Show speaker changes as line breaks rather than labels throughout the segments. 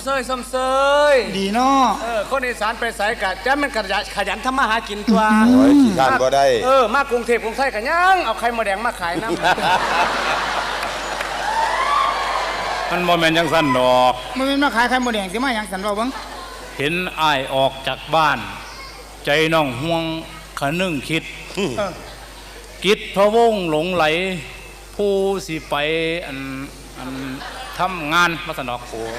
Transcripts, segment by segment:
ส้มเซย
ดีเนาะ
คนอีสานไปใส่กะจะมันขยันทำมาหากินตัว
โอ้ยขี้ข้านบ่ได้
มากรุงเทพกรุงไทยกันยังเอาไข่มดแดงมาขายน้ำ
มันโมเมนต์ยังสั่นดอก
มันเป็นมาขายไข่มดแดงสิมาอย่างสันเราบ้าง
เห็นอ้ายออกจากบ้านใจน้องห่วงขนึงคิดกิจพะวงหลงไหลผู้สิไปอันทำงานมาสนอก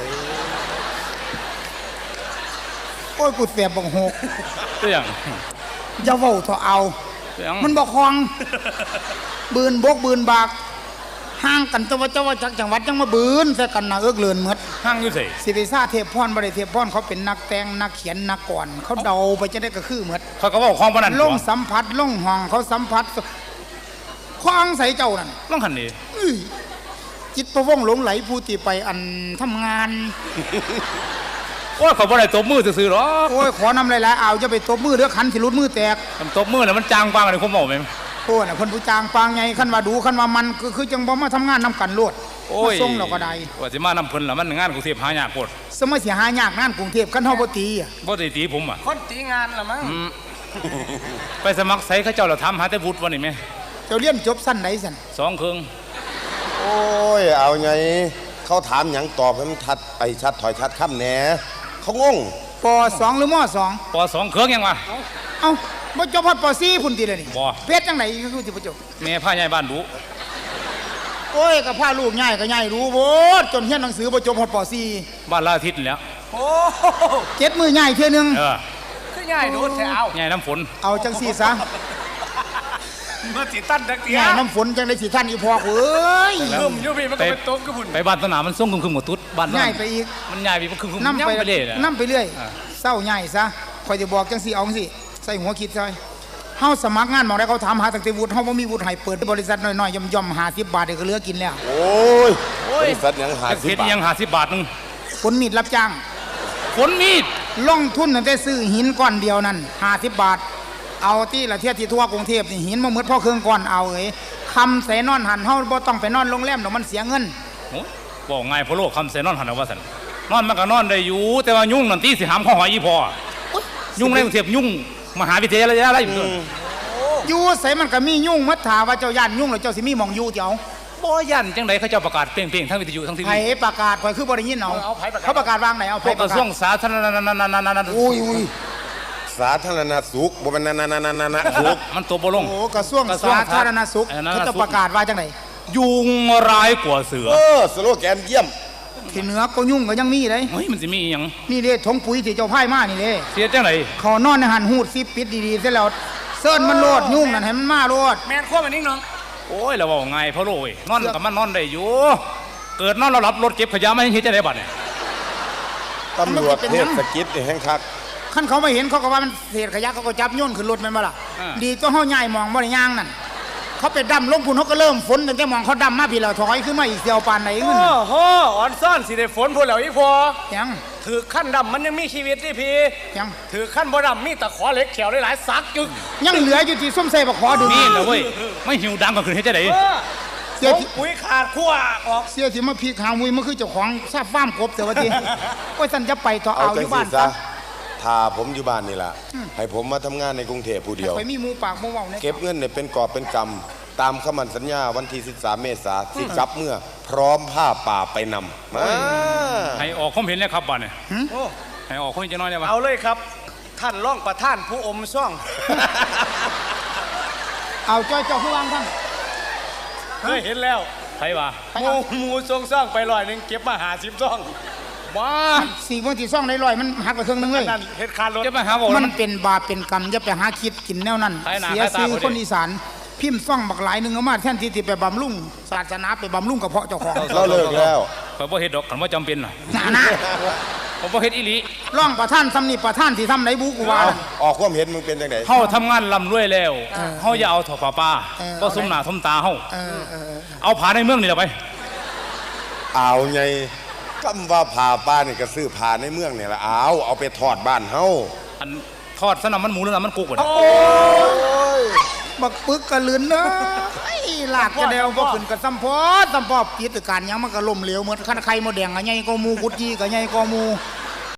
โอ้ยกูเสียบบังหก
ตัวอย่าง
จะเว้าเถอะเอามันบอกคลองบืนบกบืนบากห่างกันตัวเจ้าว่าจากจังหวัดยังมาบืนใส่กันนะเอิกเลือนเมด
ห่างอยู่สิ
สิริซาเทพพรบริเทพพรเขาเป็นนักแต่งนักเขียนนักก่อนเขาเดาไปจะได้ก็คือเมด
เขาก็บอกคลองพนัน
ล่องสัมผัสล่องห้องเขาสัมผัสคลองใส่เจ้านั่น
ล่องขันนี้
จิตประวงหลงไหลผู้ที่ไปอันทำงาน
โอ้ยเขาบ่ได้ตบมือซื่อๆหรอ
โอ้ยขอนำหลายๆเอาจะไปตบมือเรือขันสิรุดมือแตก
ตบมือเนี่ยมันจางปังอะไรคุณบอกไหม
โอ้น่ะคนผู้จางปังไงขันว่าดูขันว่ามันคือจังบ่มาทำงานนำกันโลด
โอ้ย
ส่งเราก็ได้
ว่าสิมานำเพิ่นละมันงานกรุงเทพหายากโคตร
สมัยเสียหายากงานกรุงเทพขันเฮาบ่ตี
บ่ได้ตีผม
คนตีงานละมั้ง
ไปสมัครใส่เขาเจ้าเราทำหาแต่วุฒิวันนี้ไหม
เจ้าเรียนจบสั้นไหนสั้น
2 ครึ่ง
โอ้ยเอาไงเขาถามหยังตอบให้มันชัดไปชัดถอยชัดค่ำแหนเขางง
ป.2 หรือม.2
ป.2 เครื่องยังวะ
เอ้าบ่จบพอดป.4พุ่นติเลยนี่
บ่
เพชรจังไหนคือสิบ่จบ
แม่พาใหญ่บ้านดู
โอ้ยก็พาลูกใหญ่ก็ใหญ่รู้โพดจนเรียนหนังสือบ่จบพอดป.4
บ้านลาทิศแล้ว
โอ้
7มื้อใหญ่เทื่อนึง
คือใหญ่ดูแถว
ใหญ่น้ำฝน
เอาจังซี่ซะ
เมื่อสิตั้นดักเดีย
น้ำฝนจังได้สิท่านอีพอกเอ้ย
ลุ่มอยู่พี่มันก็เป็นโต๊ะกระพุ่น
ไปบ้านสนามมันส่งคึมหมดตุ๊ดบ้าน
ใหญ่ไปอีก
มันใหญ่ไปมันคึม
น้ำไปเรื่อยน้ำไปเรื่อยเศร้าใหญ่ซะคอยจะบอกจังสิเอาสิใส่หัวคิดใส่เฮาสมัครงานมองได้เขาถามหาตั้งแต่วุฒิเฮาบ่มีวุฒิให้เปิดบริษัทน้อยๆย่อมๆ50 บาทเดี๋ยวก็เหลือกินแล้ว
โอ้ยบริษัทยัง50 บาท
ยัง50 บาทนึง
ขนมีดรับจ้าง
ขนมีด
ลงทุนตั้งแต่ซื้อหินก้อนเดียวนั่น50 บาทเอาที่ละเทียที่ทั่วกรุงเทพนี่หินมาหมดพ่อเครื่องก่อนเอาคำใส่นอนหันเฮาบ่ต้องไปนอนโรงแรมดอกมันเสียเงิน
บอกง่ายพะโลกคำใส่นอนหันเอาว่าซั่นนอนมันก็นอนได้อยู่แต่ว่ายุ่งนั่นตีสิหามข้อหอยอีพอยุ่งในกรุงเทพยุ่งมหาวิทยาลัยอะไร
อยู่ใส่มันก็มียุ่งมัดถาว่าเจ้าย่านยุ่งหรือเจ้าสิมีหม่องอยู่เจ้า
บ่ย่านจังได๋เขาเจ้าประกาศเปรี้ยงๆทั้งวิทยุทั้งทีวี
ไผประกาศข่อยคือบ่ได้ยินเอาเขาประกาศวางไหนเอา
ไผกระทรวงสาธารณสุข
อุ้ยสาธารณสุขบ่แม่นสุข
มันตัวบ่ลง
โอ้กระทรวงสาธารณสุขเขาจะประกาศว่าจังได๋
ยุงร้ายกว่าเสือ
สโลแกนเยี่ยม
ที่เหนือก็ยุ่งก็ยังมีเลย
เฮ้ยมันสิมีอีหยัง
นี่เด้ถงปุ๋ยที่เจ้าพายมานี่เด้
เสียจังได๋
เขานอนในหันหูดซิปิดดีๆเสร็จแล้วเซิ้นมันโลดยุ่งนั่นให้มันมาโลด
แม่นขั้วมันนิ่งน้อง
โอ้ยแล้วว่าไงพ่อโลยนอนกับมันนอนได้อยู่เกิดนอนเรารับรถเก็บขยะไม่เห็นจะได้บัดเนี่ย
ตำรวจเทศกิจแห่งคัก
ขั้นเขาไม่เห็นเขาก็ว่ามันเศษขยะเขาก็จับโยนขึ้นรถมันมาล่ะดีตัวเฮาใหญ่มองบ่ได้ย่างนั่นเขาไปดำลงพุ่นเขาก็เริ่มฝนตั้งแต่มองเขาดำมาพี่เราถอยขึ้นมาอีกเดียวปานไหนเงิน
โอ้โหอ่อนซ่อนสิได้ฝนพูดแล้วอีพอ
ยัง
ถือขั้นดำมันยังมีชีวิตที่พี่
ยัง
ถือขั้นบ่ดำมีแต่ขอเหล็กเขียวหลายๆซักจึก
ยังเหลืออยู่ที่ส้มเสบขอดู
นี่เลยเว้ยไม่หิวดังก็คือให้จะไหน
เสียปุ๋ยขาดขั้วออก
เสียที่มาพีขางมุยมันคือเจ้าของซาฟ้ามกบเสียวันทีก็ท่านจะไปต่อเอาอยู่บ้านซะ
ถ้าผมอยู่บ้านนี่ล่ะให้ผมมาทำงานในกรุงเทพผู้เดียว
ไปมีหมูปากหมูเว้าเนี่ย
เก็บเงินเนี่ยเป็นกอบเป็นกำตามคำมั่นสัญญาวันที่13 เมษายนที่กลับเมื่อพร้อมผ้าป่าไปนำมา
ให้ออกความเห็นเลยครับบ้านเนี่ยให้ออกคนจะน้อยได้ปะ
เอาเลยครับท่านร่องประท่านผู้อมซ่อง
เอาเจ้าผู้วางท่าน
เคยเห็นแล้ว
ใครวะ
หมูทรงซ่องไป100เก็บมา50ซ่อง
ว้า4 วันที่ซ่องได้100มันหักไปครึ่งนึงเลย
เฮ็ดคารถ
จะไปหาบ่
มันเป็นบาปเป็นกรรมจะไปหาคิดกินแนวนั้นเสียชื่อคนอีสานพิมพ์ซ่องบักหลายนึงเอามาแทนที่ไปบำรุงศาสนาไปบำรุงกระเพาะเจ้าของ
เราเลิกแล้ว
เขาบ่เฮ็ดดอกคันว่าจำเป็นน่ะ
นะ
ผมบ่เฮ็ดอีหลี
ร่องประท่านทำนี่ประท่านที่ทำไหนบุกูว่า
ออกความเห็นมึงเป็นจังได๋
เฮาทำงานลำรวยแล้วเฮาอย่าเอาถอดป้าก็สมหน้าสมตาเฮาเอาผาในเมืองนี่แหละไป
เอาไงคำว่าผ่าป้านี่ก็ซื้อผ่าในเมืองนี่แหละเอาไปทอดบ้านเฮา
อันทอดสนามมันหมูหรือน้ำมันกุกวะ
โอ้ย
บักปึกกะลืนเนาะไอ้ลากจะเดียวบ่ขึ้นกับซ้ำพอกิจการหยังมันก็ล่มเหลวเหมือนคันไข่มดแดงก็ใหญ่กว่าหมูกุดจีก็ใหญ่กว่าหมู